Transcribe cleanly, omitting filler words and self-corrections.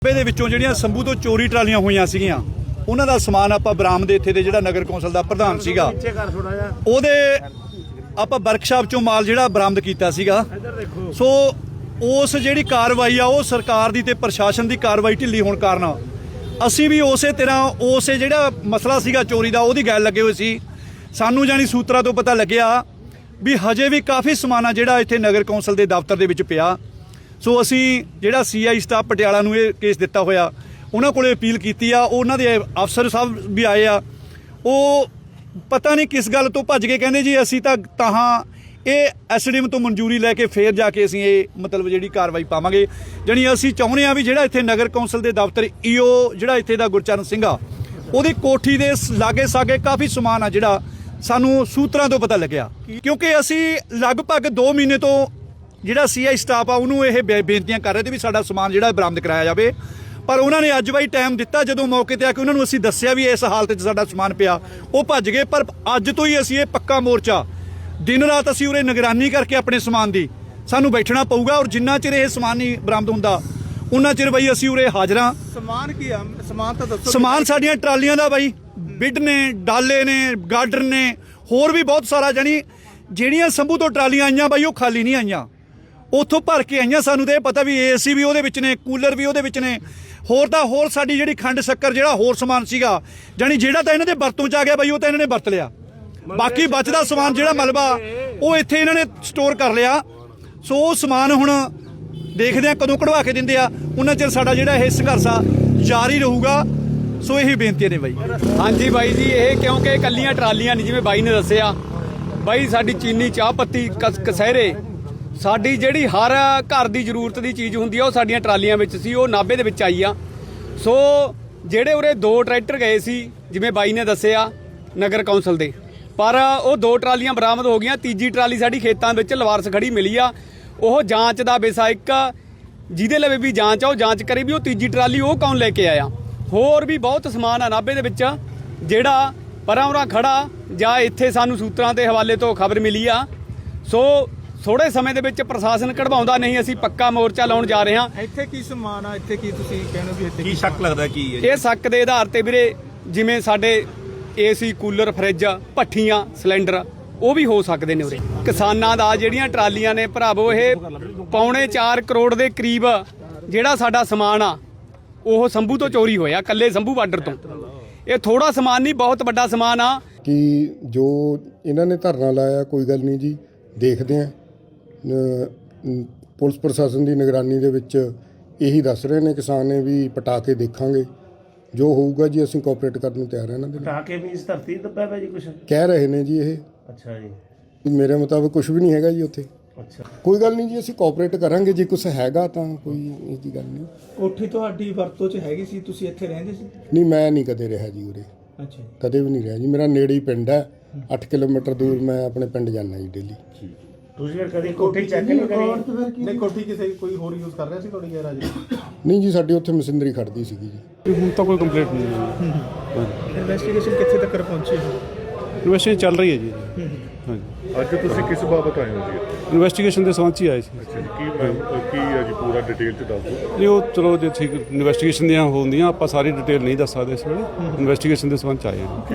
ਦੇ ਵਿੱਚੋਂ ਜਿਹੜੀਆਂ ਸੰਭੂ ਤੋਂ ਚੋਰੀ ਟਰਾਲੀਆਂ ਹੋਈਆਂ ਸੀਗੀਆਂ ਉਹਨਾਂ ਦਾ ਸਮਾਨ ਆਪਾਂ ਬਰਾਮਦ ਇੱਥੇ ਦੇ ਜਿਹੜਾ ਨਗਰ ਕੌਂਸਲ ਦਾ ਪ੍ਰਧਾਨ ਸੀਗਾ ਉਹਦੇ ਆਪਾਂ ਵਰਕਸ਼ਾਪ ਚੋਂ ਮਾਲ ਜਿਹੜਾ ਬਰਾਮਦ ਕੀਤਾ ਸੀਗਾ। ਸੋ ਉਸ ਜਿਹੜੀ ਕਾਰਵਾਈ ਆ ਉਹ ਸਰਕਾਰ ਦੀ ਤੇ ਪ੍ਰਸ਼ਾਸਨ ਦੀ ਕਾਰਵਾਈ ਢਿੱਲੀ ਹੋਣ ਕਾਰਨ ਅਸੀਂ ਵੀ ਉਸੇ ਤਰ੍ਹਾਂ ਉਸੇ ਜਿਹੜਾ ਮਸਲਾ ਸੀਗਾ ਚੋਰੀ ਦਾ ਉਹਦੀ ਗੱਲ ਲੱਗੇ ਹੋਏ ਸੀ। ਸਾਨੂੰ ਜਾਨੀ ਸੂਤਰਾਂ ਤੋਂ ਪਤਾ ਲੱਗਿਆ ਵੀ ਹਜੇ ਵੀ ਕਾਫੀ ਸਮਾਨ ਆ ਜਿਹੜਾ ਇੱਥੇ ਨਗਰ ਕੌਂਸਲ ਦੇ ਦਫ਼ਤਰ ਦੇ ਵਿੱਚ ਪਿਆ। ਸੋ ਅਸੀਂ ਜਿਹੜਾ CI ਸਟਾਫ ਪਟਿਆਲਾ ਨੂੰ ਇਹ ਕੇਸ ਦਿੱਤਾ ਹੋਇਆ ਉਹਨਾਂ ਕੋਲੇ ਅਪੀਲ ਕੀਤੀ ਆ। ਉਹਨਾਂ ਦੇ ਅਫਸਰ ਸਾਹਿਬ ਵੀ ਆਏ ਆ, ਉਹ ਪਤਾ ਨਹੀਂ ਕਿਸ ਗੱਲ ਤੋਂ ਭੱਜ ਕੇ ਕਹਿੰਦੇ ਜੀ ਅਸੀਂ ਤਾਂ ਇਹ SDM ਤੋਂ ਮਨਜ਼ੂਰੀ ਲੈ ਕੇ ਫੇਰ ਜਾ ਕੇ ਅਸੀਂ ਇਹ ਮਤਲਬ ਜਿਹੜੀ ਕਾਰਵਾਈ ਪਾਵਾਂਗੇ। ਜਾਣੀ ਅਸੀਂ ਚਾਹੁੰਦੇ ਆ ਵੀ ਜਿਹੜਾ ਇੱਥੇ ਨਗਰ ਕੌਂਸਲ ਦੇ ਦਫ਼ਤਰ EO ਜਿਹੜਾ ਇੱਥੇ ਦਾ ਗੁਰਚਰਨ ਸਿੰਘ ਆ ਉਹਦੀ ਕੋਠੀ ਦੇ ਲਾਗੇ ਸਾਗੇ ਕਾਫੀ ਸਮਾਨ ਆ ਜਿਹੜਾ ਸਾਨੂੰ ਸੂਤਰਾਂ ਤੋਂ ਪਤਾ ਲੱਗਿਆ। ਕਿਉਂਕਿ ਅਸੀਂ ਲਗਭਗ 2 ਮਹੀਨੇ ਤੋਂ ਜਿਹੜਾ CI ਸਟਾਫ ਆ ਉਹਨੂੰ ਇਹ ਬੇਨਤੀਆਂ ਕਰ ਰਹੇ ਤੇ ਵੀ ਸਾਡਾ ਸਮਾਨ ਜਿਹੜਾ ਬਰਾਮਦ ਕਰਾਇਆ ਜਾਵੇ, ਪਰ ਉਹਨਾਂ ਨੇ ਅੱਜ ਬਾਈ ਟਾਈਮ ਦਿੱਤਾ। ਜਦੋਂ ਮੌਕੇ ਤੇ ਆ ਕੇ ਉਹਨਾਂ ਨੂੰ ਅਸੀਂ ਦੱਸਿਆ ਵੀ ਇਸ ਹਾਲਤ 'ਚ ਸਾਡਾ ਸਮਾਨ ਪਿਆ, ਉਹ ਭੱਜ ਗਏ। ਪਰ ਅੱਜ ਤੋਂ ਹੀ ਅਸੀਂ ਇਹ ਪੱਕਾ ਮੋਰਚਾ ਦਿਨ ਰਾਤ ਅਸੀਂ ਉਰੇ ਨਿਗਰਾਨੀ ਕਰਕੇ ਆਪਣੇ ਸਮਾਨ ਦੀ ਸਾਨੂੰ ਬੈਠਣਾ ਪਊਗਾ, ਔਰ ਜਿੰਨਾ ਚਿਰ ਇਹ ਸਮਾਨ ਨਹੀਂ ਬਰਾਮਦ ਹੁੰਦਾ ਉਹਨਾਂ ਚਿਰ ਬਾਈ ਅਸੀਂ ਉਰੇ ਹਾਜ਼ਰਾਂ। ਸਮਾਨ ਕੀ ਆ? ਸਮਾਨ ਤਾਂ ਦੱਸੋ। ਸਮਾਨ ਸਾਡੀਆਂ ਟਰਾਲੀਆਂ ਦਾ ਬਾਈ ਬਿੱਡ ਨੇ, ਡਾਲੇ ਨੇ, ਗਾਰਡਰ ਨੇ, ਹੋਰ ਵੀ ਬਹੁਤ ਸਾਰਾ। ਜਾਣੀ ਜਿਹੜੀਆਂ ਸੰਭੂ ਤੋਂ ਟਰਾਲੀਆਂ ਆਈਆਂ ਬਾਈ ਉਹ ਖਾਲੀ ਨਹੀਂ ਆਈਆਂ, ਉੱਥੋਂ ਭਰ ਕੇ ਆਈਆਂ। ਸਾਨੂੰ ਤਾਂ ਇਹ ਪਤਾ ਵੀ AC ਵੀ ਉਹਦੇ ਵਿੱਚ ਨੇ, ਕੂਲਰ ਵੀ ਉਹਦੇ ਵਿੱਚ ਨੇ, ਹੋਰ ਤਾਂ ਹੋਰ ਸਾਡੀ ਜਿਹੜੀ ਖੰਡ ਸ਼ੱਕਰ ਜਿਹੜਾ ਹੋਰ ਸਮਾਨ ਸੀਗਾ ਜਾਣੀ ਜਿਹੜਾ ਤਾਂ ਇਹਨਾਂ ਦੇ ਵਰਤੋਂ 'ਚ ਆ ਗਿਆ ਬਾਈ ਉਹ ਤਾਂ ਇਹਨਾਂ ਨੇ ਵਰਤ ਲਿਆ। ਬਾਕੀ ਬਚਦਾ ਸਮਾਨ ਜਿਹੜਾ ਮਲਬਾ ਉਹ ਇੱਥੇ ਇਹਨਾਂ ਨੇ ਸਟੋਰ ਕਰ ਲਿਆ। ਸੋ ਉਹ ਸਮਾਨ ਹੁਣ ਦੇਖਦੇ ਆ ਕਦੋਂ ਕਢਵਾ ਕੇ ਦਿੰਦੇ ਆ, ਉਹਨਾਂ ਚਿਰ ਸਾਡਾ ਜਿਹੜਾ ਇਹ ਸੰਘਰਸ਼ ਆ ਜਾਰੀ ਰਹੂਗਾ। ਸੋ ਇਹੀ ਬੇਨਤੀ ਨੇ ਬਾਈ। ਹਾਂਜੀ ਬਾਈ ਜੀ, ਇਹ ਕਿਉਂਕਿ ਇਕੱਲੀਆਂ ਟਰਾਲੀਆਂ ਨਹੀਂ, ਜਿਵੇਂ ਬਾਈ ਨੇ ਦੱਸਿਆ ਬਾਈ ਸਾਡੀ ਚੀਨੀ, ਚਾਹ ਪੱਤੀ, ਕਸਹਿਰੇ, ਸਾਡੀ ਜਿਹੜੀ ਹਰ ਘਰ ਦੀ ਜ਼ਰੂਰਤ ਦੀ ਚੀਜ਼ ਹੁੰਦੀ ਆ ਉਹ ਸਾਡੀਆਂ ਟਰਾਲੀਆਂ ਵਿੱਚ ਸੀ, ਉਹ ਨਾਭੇ ਦੇ ਵਿੱਚ ਆਈ ਆ। ਸੋ ਜਿਹੜੇ ਉਰੇ 2 ਟਰੈਕਟਰ ਗਏ ਸੀ ਜਿਵੇਂ ਬਾਈ ਨੇ ਦੱਸਿਆ ਨਗਰ ਕੌਂਸਲ ਦੇ, ਪਰ ਉਹ 2 ਟਰਾਲੀਆਂ ਬਰਾਮਦ ਹੋ ਗਈਆਂ। ਤੀਜੀ ਟਰਾਲੀ ਸਾਡੀ ਖੇਤਾਂ ਵਿੱਚ ਲਵਾਰਸ ਖੜੀ ਮਿਲੀ ਆ। ਉਹ ਜਾਂਚ ਦਾ ਵਿਸ਼ਾ ਇੱਕ ਜਿਹਦੇ ਲਵੇ ਵੀ ਜਾਂਚ ਆ ਉਹ ਜਾਂਚ ਕਰੇ ਵੀ ਉਹ ਤੀਜੀ ਟਰਾਲੀ ਉਹ ਕੌਣ ਲੈ ਕੇ ਆਇਆ। ਹੋਰ ਵੀ ਬਹੁਤ ਸਮਾਨ ਆ ਨਾਭੇ ਦੇ ਵਿੱਚ ਜਿਹੜਾ ਪਰਾਂ ਉਰਾਂ ਖੜਾ ਜਾਂ ਇੱਥੇ ਸਾਨੂੰ ਸੂਤਰਾਂ ਦੇ ਹਵਾਲੇ ਤੋਂ ਖਬਰ ਮਿਲੀ ਆ। ਸੋ ਥੋੜੇ ਸਮੇਂ ਦੇ ਵਿੱਚ ਪ੍ਰਸ਼ਾਸਨ ਕਢਵਾਉਂਦਾ ਨਹੀਂ, ਅਸੀਂ ਪੱਕਾ ਮੋਰਚਾ ਲਾਉਣ ਜਾ ਰਹੇ ਹਾਂ। ਇੱਥੇ ਕੀ ਸਮਾਨ ਆ? ਇੱਥੇ ਕੀ ਤੁਸੀਂ ਕਹਿੰਦੇ ਵੀ ਇੱਥੇ ਕੀ ਸ਼ੱਕ ਲੱਗਦਾ ਕੀ ਹੈ? ਇਹ ਸ਼ੱਕ ਦੇ ਆਧਾਰ ਤੇ ਵੀਰੇ ਜਿਵੇਂ ਸਾਡੇ AC, ਕੂਲਰ, ਫਰਿੱਜ, ਭੱਠੀਆਂ, ਸਿਲੰਡਰ ਉਹ ਵੀ ਹੋ ਸਕਦੇ ਨੇ ਉਰੇ। ਕਿਸਾਨਾਂ ਦਾ ਜਿਹੜੀਆਂ ਟਰਾਲੀਆਂ ਨੇ ਭਰਾਵੋ ਇਹ 4.25 ਕਰੋੜ ਦੇ ਕਰੀਬ ਜਿਹੜਾ ਸਾਡਾ ਸਮਾਨ ਆ ਉਹ ਸੰਭੂ ਤੋਂ ਚੋਰੀ ਹੋਇਆ, ਕੱਲੇ ਸੰਭੂ ਬਾਰਡਰ ਤੋਂ। ਇਹ ਥੋੜਾ ਸਮਾਨ ਨਹੀਂ, ਬਹੁਤ ਵੱਡਾ ਸਮਾਨ ਆ। ਕਿ ਜੋ ਇਹਨਾਂ ਨੇ ਧਰਨਾ ਲਾਇਆ ਕੋਈ ਗੱਲ ਨਹੀਂ ਜੀ, ਦੇਖਦੇ ਹਾਂ। ਪੁਲਿਸ ਪ੍ਰਸ਼ਾਸਨ ਦੀ ਨਿਗਰਾਨੀ ਦੇ ਵਿੱਚ ਇਹੀ ਦੱਸ ਰਹੇ ਨੇ ਕਿਸਾਨ ਨੇ ਵੀ ਪਟਾ ਕੇ ਦੇਖਾਂਗੇ, ਜੋ ਹੋਊਗਾ ਜੀ ਅਸੀਂ ਕੋਆਪਰੇਟ ਕਰਨ ਨੂੰ ਤਿਆਰ ਹਾਂ। ਇਹਨਾਂ ਦੇ ਪਟਾ ਕੇ ਵੀ ਇਸ ਧਰਤੀ ਦੱਬਿਆ ਪਿਆ ਜੀ ਕੁਛ ਕਹਿ ਰਹੇ ਨੇ ਜੀ ਇਹ। ਅੱਛਾ ਜੀ, ਮੇਰੇ ਮੁਤਾਬਕ ਕੁਝ ਵੀ ਨਹੀਂ ਹੈਗਾ ਜੀ ਉੱਥੇ। ਅੱਛਾ, ਕੋਈ ਗੱਲ ਨਹੀਂ ਜੀ, ਅਸੀਂ ਕੋਆਪਰੇਟ ਕਰਾਂਗੇ। ਜੇ ਕੁਝ ਹੈਗਾ ਤਾਂ ਕੋਈ ਇਹ ਦੀ ਗੱਲ ਨਹੀਂ। ਕੋਠੀ ਤੁਹਾਡੀ ਵਰਤੋਂ 'ਚ ਹੈਗੀ ਸੀ, ਤੁਸੀਂ ਇੱਥੇ ਰਹਿੰਦੇ ਸੀ? ਨਹੀਂ, ਮੈਂ ਨਹੀਂ ਕਦੇ ਰਿਹਾ ਜੀ ਉਰੇ, ਅੱਛਾ, ਕਦੇ ਵੀ ਨਹੀਂ ਰਿਹਾ ਜੀ। ਮੇਰਾ ਨੇੜੇ ਹੀ ਪਿੰਡ ਹੈ, 8 ਕਿਲੋਮੀਟਰ ਦੂਰ ਮੈਂ ਆਪਣੇ ਪਿੰਡ ਜਾਂਦਾ ਜੀ ਡੇਲੀ। ਤੁਸੀਂ ਫਿਰ ਕਦੀ ਕੋਠੀ ਚੈੱਕ ਨਹੀਂ ਕਰੀ? ਨਹੀਂ, ਕੋਠੀ ਕਿਸੇ ਕੋਈ ਹੋਰ ਯੂਜ਼ ਕਰ ਰਿਹਾ ਸੀ ਤੁਹਾਡੀ ਗੈਰਾਜ? ਨਹੀਂ ਜੀ, ਸਾਡੀ ਉੱਥੇ ਮਸ਼ੀਨਰੀ ਖੜਦੀ ਸੀਗੀ ਜੀ। ਹੁਣ ਤਾਂ ਕੋਈ ਕੰਪਲੇਂਟ ਨਹੀਂ ਹੈ। ਇਨਵੈਸਟੀਗੇਸ਼ਨ ਕਿੱਥੇ ਤੱਕ ਪਹੁੰਚੀ ਹੈ? ਇਨਵੈਸਟੀਗੇਸ਼ਨ ਚੱਲ ਰਹੀ ਹੈ ਜੀ। ਹਾਂਜੀ, ਅੱਜ ਤੁਸੀਂ ਕਿਸ ਬਾਬਤ ਆਏ ਹੋ ਜੀ? ਇਨਵੈਸਟੀਗੇਸ਼ਨ ਦੇ ਸੰਬੰਧ 'ਚ ਹੀ ਆਏ ਸੀ। ਅੱਛਾ ਜੀ, ਕੀ ਹੈ ਜੀ ਪੂਰਾ ਡਿਟੇਲ ਚ ਦੱਸ ਦਿਓ। ਨਹੀਂ ਉਹ ਚਲੋ ਜੇ ਠੀਕ ਇਨਵੈਸਟੀਗੇਸ਼ਨ ਦੀਆਂ ਹੁੰਦੀਆਂ ਆਪਾਂ ਸਾਰੀ ਡਿਟੇਲ ਨਹੀਂ ਦੱਸ ਸਕਦੇ ਇਸ ਵੇਲੇ। ਇਨਵੈਸਟੀਗੇਸ਼ਨ ਦੇ ਸੰਬੰਧ 'ਚ ਆਏ ਹਾਂ।